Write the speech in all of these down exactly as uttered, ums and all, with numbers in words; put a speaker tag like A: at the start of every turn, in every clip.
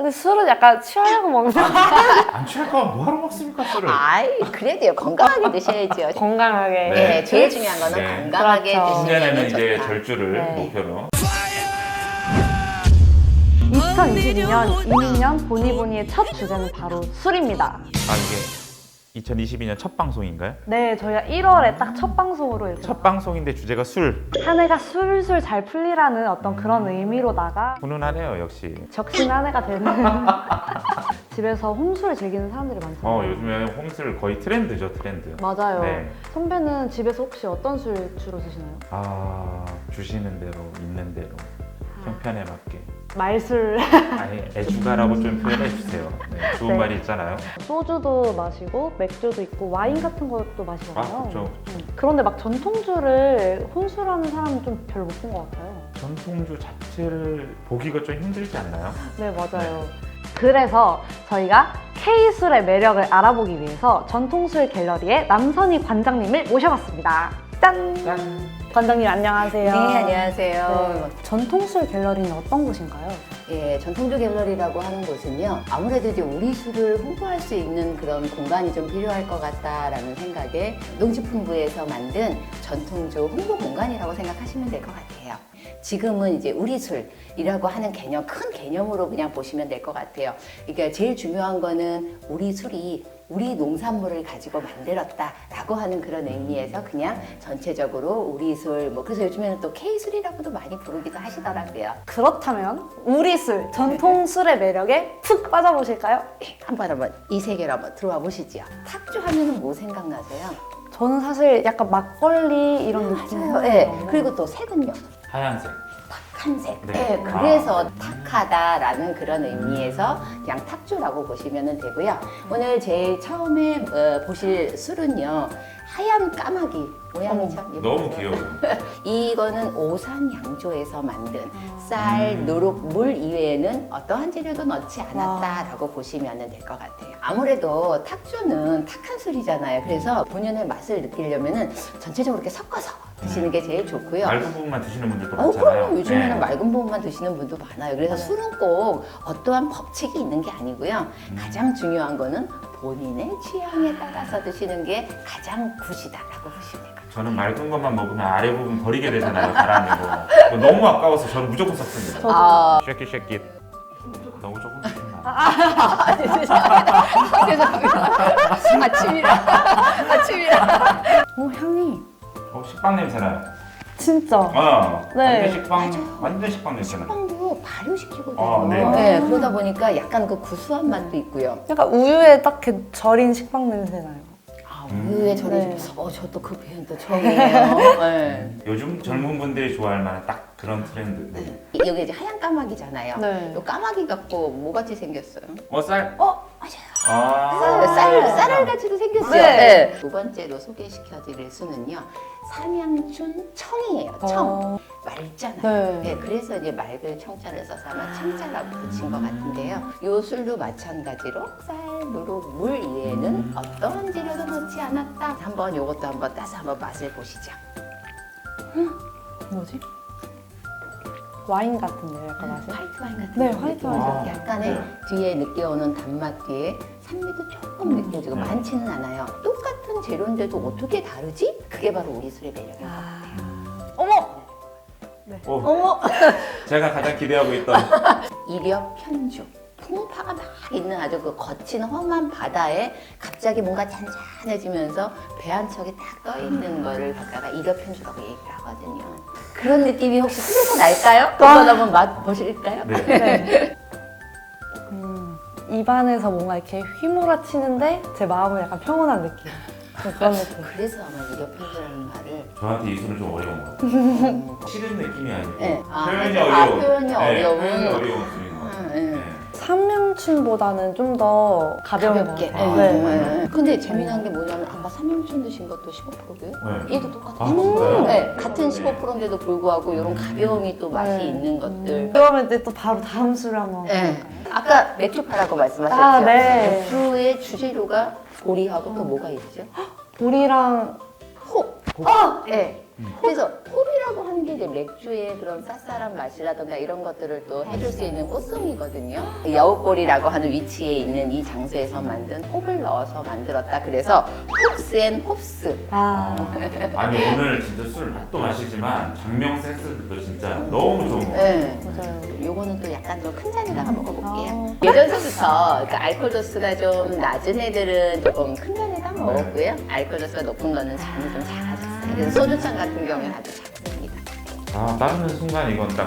A: 근데 술은 약간 취하려고 먹는
B: 안 취할 거면 뭐하러 먹습니까 술을?
C: 아이, 그래도요. 건강하게 드셔야죠.
A: 건강하게.
B: 네.
C: 네, 제일 중요한 거는
B: 네.
C: 건강하게
A: 그렇죠.
C: 드시는
B: 신년에는
C: 게
B: 이제
C: 좋다.
B: 절주를
A: 네.
B: 목표로.
A: 이천이십이 년 이민년 보니보니의 첫 주제는 바로 술입니다.
B: 아 이게 이천이십이 년 첫 방송인가요?
A: 네, 저희가 일월에 딱 첫 방송으로 이렇게
B: 첫 방송인데 주제가 술.
A: 한 해가 술술 잘 풀리라는 어떤 그런 의미로다가
B: 훈훈하네요 역시.
A: 적신 한 해가 되는 집에서 홈술을 즐기는 사람들이 많잖아요.
B: 어 요즘에 홈술 거의 트렌드죠 트렌드.
A: 맞아요.
B: 네.
A: 선배는 집에서 혹시 어떤 술 주로 드시나요?
B: 아 주시는 대로 있는 대로 형편에 맞게.
A: 말술.
B: 아니 애주가라고 좀 표현해 주세요. 네, 좋은
A: 네.
B: 말이 있잖아요.
A: 소주도 마시고 맥주도 있고 와인 같은 것도 마시잖아요.
B: 아 그렇죠.
A: 음. 그런데 막 전통주를 혼술하는 사람은 좀 별로 못 본 것 같아요.
B: 전통주 자체를 보기가 좀 힘들지 않나요?
A: 네, 맞아요. 그래서 저희가 K술의 매력을 알아보기 위해서 전통술 갤러리의 남선희 관장님을 모셔봤습니다. 짠!
B: 짠.
A: 관장님 안녕하세요.
C: 네, 안녕하세요.
A: 네. 전통술 갤러리는 어떤 곳인가요?
C: 예, 전통주 갤러리라고 하는 곳은요. 아무래도 이제 우리 술을 홍보할 수 있는 그런 공간이 좀 필요할 것 같다라는 생각에 농식품부에서 만든 전통주 홍보 공간이라고 생각하시면 될 것 같아요. 지금은 이제 우리 술이라고 하는 개념, 큰 개념으로 그냥 보시면 될 것 같아요. 그러니까 제일 중요한 거는 우리 술이 우리 농산물을 가지고 만들었다라고 하는 그런 의미에서 그냥 전체적으로 우리 술, 뭐 그래서 요즘에는 또 K술이라고도 많이 부르기도 하시더라고요.
A: 그렇다면 우리 술, 전통술의 매력에 푹 빠져보실까요?
C: 예, 한번 한번 이 세계로 한번 들어와 보시죠. 탁주 하면은 뭐 생각나세요?
A: 저는 사실 약간 막걸리 이런 느낌이에요.
C: 맞아요. 예. 그리고 또 색은요?
B: 하얀색.
C: 탁한색.
B: 네.
C: 예, 그래서
B: 아.
C: 탁하다라는 그런 의미에서 그냥 탁주라고 보시면 되고요. 오늘 제일 처음에 어, 보실 술은요. 하얀 까마귀 모양이 참 예쁘죠?
B: 너무 귀여워요.
C: 이거는 오산 양조에서 만든 쌀, 누룩, 물 이외에는 어떠한 재료도 넣지 않았다라고 보시면 될 것 같아요. 아무래도 탁주는 탁한 술이잖아요. 그래서 본연의 맛을 느끼려면 전체적으로 이렇게 섞어서 드시는 게 제일 좋고요.
B: 맑은 부분만 드시는 분들도
C: 어,
B: 많잖아요.
C: 그럼 요즘에는
B: 네.
C: 맑은 부분만 드시는 분도 많아요. 그래서 술은 꼭 어떠한 법칙이 있는 게 아니고요. 가장 중요한 거는 본인의 취향에 따라서 드시는 게 가장 굿이다라고 보시면 돼요.
B: 저는 맑은 것만 먹으면 아래 부분 버리게 되잖아요. 가라앉는 거. 그거 너무 아까워서 저는 무조건 섞습니다.
C: 아,
B: 쉐킷 쉐킷. 너무 조금 드시나?
C: 아, 죄송합니다. 죄송합니다. 아침이라. 아침이라.
A: 오, 향이
B: 어 식빵 냄새 나요.
A: 진짜.
B: 어.
A: 네.
B: 완전 식빵, 완전 식빵 냄새 나요.
C: 빵도 발효시키거든요.
B: 아, 네.
C: 네, 그러다 보니까 약간 그 구수한 맛도 있고요.
A: 약간 우유에 딱 이렇게 절인 식빵 냄새 나요.
C: 아, 우유에 절인
A: 네.
C: 어, 저도 그 표현도 처음이에요. 네.
B: 요즘 젊은 분들이 좋아할 만한 딱 그런 트렌드.
C: 네. 여기 이제 하얀 까마귀잖아요.
A: 네.
C: 요 까마귀 갖고 뭐 같이 생겼어요?
B: 어 쌀.
C: 어, 맞아요.
B: 아.
C: 쌀, 쌀알 같이도 생겼어요.
A: 네.
C: 네. 두 번째로 소개시켜드릴 수는요. 삼양춘 청이에요. 청.
A: 어.
C: 맑잖아요.
A: 네.
C: 네, 그래서 이제 맑을 청자를 써서 아마 청자라고 붙인 것 같은데요. 요 술도 마찬가지로 쌀, 누룩, 물 이외에는 어떠한 재료도 넣지 않았다. 한번 요것도 한번 따서 한번 맛을 보시죠.
A: 뭐지? 와인 같은데요, 약간 맛이?
C: 화이트 와인 같은
A: 네,
C: 느낌.
A: 화이트
B: 와인.
C: 약간의 뒤에 느껴오는 단맛 뒤에 산미도 조금 느껴지고
B: 음.
C: 많지는 않아요. 똑같은 재료인데도 어떻게 다르지? 그게 바로 우리 술의 매력인 것
A: 아.
C: 같아요.
A: 어머!
B: 오,
C: 어머!
B: 제가 가장 기대하고 있던
C: 이력 편주. 풍파가 막 있는 아주 그 거친 험한 바다에 갑자기 뭔가 잔잔해지면서 배 한 척이 딱 떠 있는 거를 갖다가 이력 편주라고 얘기를 하거든요. 그런 느낌이 혹시 술에서 날까요? 한번 한번 맛 보실까요?
B: 네.
A: 네. 음, 입안에서 뭔가 이렇게 휘몰아치는데 제 마음은 약간 평온한 느낌. 좀 그런 느낌.
C: 그래서 아마 이력 편주라는 말을
B: 저한테 이 술은 좀 어려운 것 같아요. 싫은 느낌이 아니고
C: 네. 아,
B: 표현이
C: 맞아.
B: 어려운.
C: 아, 표현이
B: 네,
C: 어려운.
B: 표현이 어려운 술인 것 같아요.
C: 네.
B: 네.
A: 삼명춘보다는 좀 더 가벼운 것
C: 가볍게.
A: 같아요.
C: 네.
A: 네.
C: 네. 근데 재미난 게 뭐냐면 아까 삼양춘 드신 것도 십오 퍼센트고요.
B: 네.
C: 얘도 똑같아요.
B: 아, 진짜요?
C: 네. 같은 십오 퍼센트인데도 불구하고 이런 가벼움이 또 맛이
A: 네.
C: 있는 것들.
A: 그러면 이제 또 바로 다음 술을 한번.
C: 네. 아까 맥주파라고 말씀하셨죠?
A: 아, 네.
C: 맥주의 주재료가 보리하고 또 뭐가 있죠?
A: 보리랑
C: 호. 어, 네. 그래서 홉이라고 하는 게 이제 맥주의 그런 쌉쌀한 맛이라던가 이런 것들을 또 해줄 수 있는 꽃송이거든요. 여우꼬리라고 하는 위치에 있는 이 장소에서 만든 홉을 넣어서 만들었다. 그래서 홉스 앤 홉스.
A: 아,
B: 아니 오늘 진짜 술 맛도 마시지만 장명 센스도 진짜 너무 좋은 거 같아요.
C: 네.
A: 맞아요.
C: 요거는 또 약간 좀 큰 잔에다가 먹어볼게요.
A: 아.
C: 예전부터 그 알코올 도수가 좀 낮은 애들은 조금 큰 잔에다 먹었고요. 알코올 도수가 높은 거는 잔이 좀 작아졌어요. 그래서 소주잔 같은 경우는 아주 작습니다.
B: 아 따르는 순간 이건 딱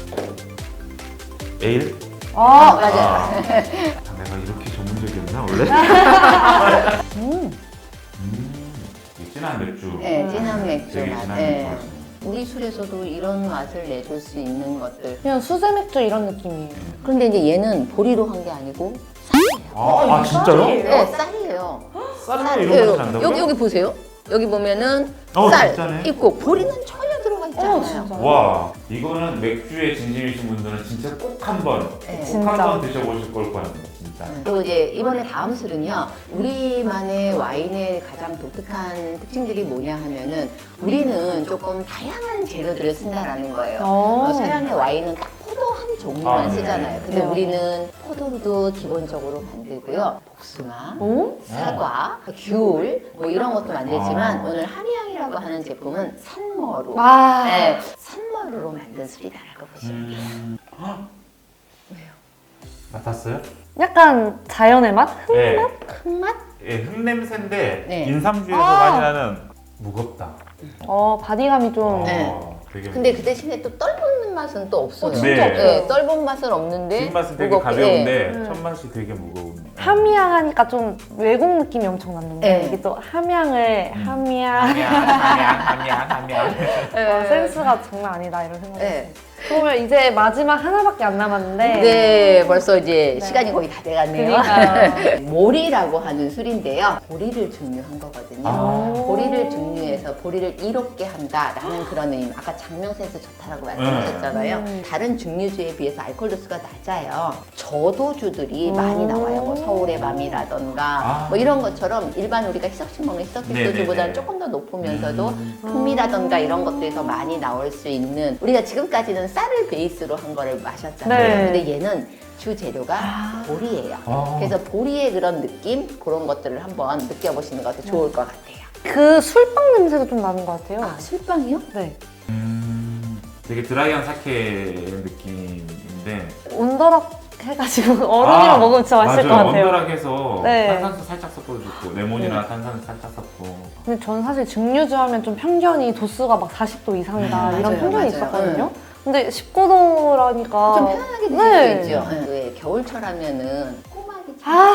B: 에일?
A: 아,
C: 맞아요.
B: 아, 내가 이렇게 전문적이었나 원래?
A: 음.
B: 음, 이 진한 맥주.
C: 네, 진한 맥주
B: 되게
C: 맛.
B: 진한
C: 네.
B: 맥주 맛이네.
C: 우리 술에서도 이런 맛을 내줄 수 있는 것들.
A: 그냥 수제 맥주 이런 느낌이에요.
C: 그런데 이제 얘는 보리로 한 게 아니고 쌀이에요.
B: 아, 아 진짜요?
C: 네, 쌀이에요.
B: 쌀에
C: 네,
B: 이런 맛이 난다고요?
C: 여기 여기 보세요. 여기 보면은
B: 어,
C: 쌀
B: 진짜네.
C: 있고 보리는 전혀 들어가 있잖아요.
A: 어, 진짜.
B: 와 이거는 맥주에 진심이신 분들은 진짜 꼭 한번
C: 네.
B: 꼭
A: 진짜.
B: 한번 드셔보실 걸 거예요 진짜.
C: 그리고 이제 이번에 다음 술은요, 우리만의 와인의 가장 독특한 특징들이 뭐냐 하면은 우리는 조금 다양한 재료들을 쓴다라는 거예요.
A: 어.
C: 어, 서양의 와인은 딱 포도 한 종류만
B: 아, 네.
C: 쓰잖아요. 근데
A: 네.
C: 우리는 포도도 기본적으로 만들고요. 복숭아,
A: 오?
C: 사과, 귤 뭐 이런 것도 만들지만
B: 아.
C: 오늘 한의향이라고 하는 제품은 산머루.
A: 와.
C: 네, 산머루로 만든 술이다라고 보시면 돼요.
B: 음. 헉! 맡았어요?
A: 약간 자연의 맛?
B: 네.
C: 흙맛?
B: 예, 흙냄새인데
C: 네.
B: 인삼주에서
A: 아.
B: 많이 나는 무겁다.
A: 어, 바디감이 좀.
C: 네.
B: 어, 되게
C: 근데 그 대신에 또 떫은 맛은 또 없어요.
A: 어, 진짜
B: 네.
A: 없어요.
C: 네, 떫은 맛은 없는데
B: 뒷맛은 되게
C: 무겁게,
B: 가벼운데
A: 네.
B: 첫 맛이 되게 무거운.
A: 함양 하니까 좀 외국 느낌이 엄청 났는데
C: 네.
A: 이게 또 함양을
B: 음.
A: 함양
B: 함양, 함양, 함양, 함양.
C: 예.
A: 아, 센스가 장난 아니다 이런 생각이
C: 네.
A: 들어요. 그러면 이제 마지막 하나밖에 안 남았는데
C: 네, 벌써 이제
A: 네.
C: 시간이 거의 다 돼갔네요.
A: 그러니까요.
C: 모리라고 하는 술인데요. 보리를 증류한 거거든요.
B: 아.
C: 보리를 증류해서 보리를 이롭게 한다라는 그런 의미. 아까 장명 센스 좋다라고 말씀하셨잖아요.
A: 음.
C: 다른 증류주에 비해서 알코올 도수가 낮아요. 저도주들이
A: 음.
C: 많이 나와요. 뭐 서울의 밤이라던가
B: 아.
C: 뭐 이런 것처럼 일반 우리가 희석식 먹는 희석식
B: 네네네.
C: 소주보다는 조금 더 높으면서도
B: 음.
C: 풍미라던가 이런 것들에서 많이 나올 수 있는, 우리가 지금까지는 쌀을 베이스로 한 거를 마셨잖아요.
A: 네.
C: 근데 얘는 주 재료가 보리예요.
B: 아.
C: 그래서 보리의 그런 느낌, 그런 것들을 한번 느껴보시는 것도 좋을 것 같아요.
A: 그 술빵 냄새도 좀 나는 것 같아요.
C: 아, 술빵이요?
A: 네.
B: 음, 되게 드라이한 사케 느낌인데
A: 온더락 해가지고 얼음이랑
B: 아,
A: 먹으면 진짜 맛있을
B: 맞아요.
A: 것 같아요.
B: 원더락해서
A: 네.
B: 탄산수 살짝 섞어도 좋고 레몬이나 탄산수 살짝 섞고.
A: 근데 저는 사실 증류주 하면 좀 편견이 도수가 막 사십 도 이상이다
C: 음,
A: 이런
C: 맞아요,
A: 편견이
C: 맞아요.
A: 있었거든요. 근데 십구 도라니까
C: 좀 편안하게 드실
A: 네.
C: 수 있죠. 네. 왜 겨울철 하면은 꼬막이
A: 아.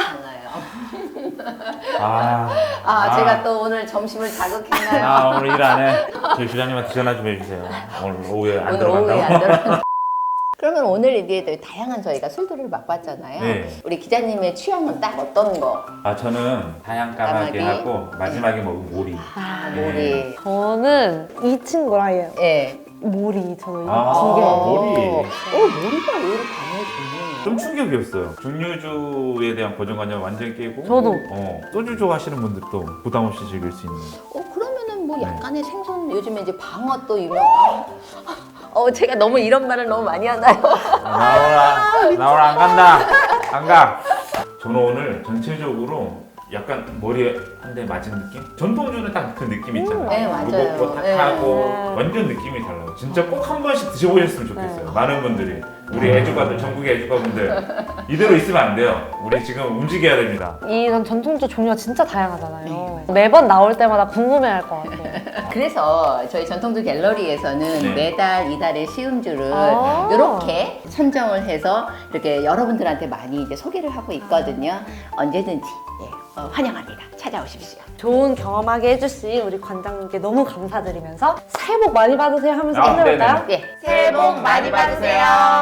C: 참잖아요.
B: 아,
C: 아, 제가 또 오늘 점심을 자극했나요?
B: 아 오늘 일 안 해. 저희 주장님한테 전화 좀 해주세요. 오늘 오후에 안
C: 오늘 오후에 안
B: 들어간다고.
C: 들어. 그러면 오늘 이제 다양한 저희가 술들을 맛봤잖아요.
B: 네.
C: 우리 기자님의 취향은 딱 어떤 거?
B: 아 저는 하얀 까마귀
C: 까마귀.
B: 하고 마지막에 먹은 모리.
C: 아,
B: 네.
C: 모리.
A: 저는 이 친구랑 얘
C: 예.
A: 모리 저는
B: 아,
A: 두 개.
B: 모리.
C: 어, 모리가 의외로 반응이 좋네요.
B: 좀 충격이었어요. 증류주에 대한 고정관념 완전 깨고.
A: 저도.
B: 어, 소주 좋아하시는 분들도 부담 없이 즐길 수 있는.
C: 어, 그러면은 뭐
B: 네.
C: 약간의 생선, 요즘에 이제 방어 또 유명. 아, 어, 제가 너무 이런 말을 너무 많이 하나요?
B: 나오라, 나오라 안 간다, 안 가. 저는 오늘 전체적으로 약간 머리에 한 대 맞은 느낌? 전통주는 딱 그 느낌 있잖아요.
C: 네, 맞아요.
B: 무겁고
C: 네.
B: 탁하고 완전 느낌이 달라요. 진짜 꼭 한 번씩 드셔보셨으면 좋겠어요.
A: 네.
B: 많은 분들이. 우리 애주가들, 전국의 애주가분들 이대로 있으면 안 돼요. 우리 지금 움직여야 됩니다.
A: 이런 전통주 종류가 진짜 다양하잖아요. 매번 나올 때마다 궁금해할 것 같아요.
C: 그래서 저희 전통주 갤러리에서는
B: 네.
C: 매달 이달의 시음주를
A: 아.
C: 이렇게 선정을 해서 이렇게 여러분들한테 많이 이제 소개를 하고 있거든요. 언제든지 예, 어, 환영합니다. 찾아오십시오.
A: 좋은 경험하게 해주신 우리 관장님께 너무 감사드리면서 새해 복 많이 받으세요 하면서
B: 아,
A: 끝내볼까요?
B: 네네.
C: 예, 새해 복 많이 받으세요.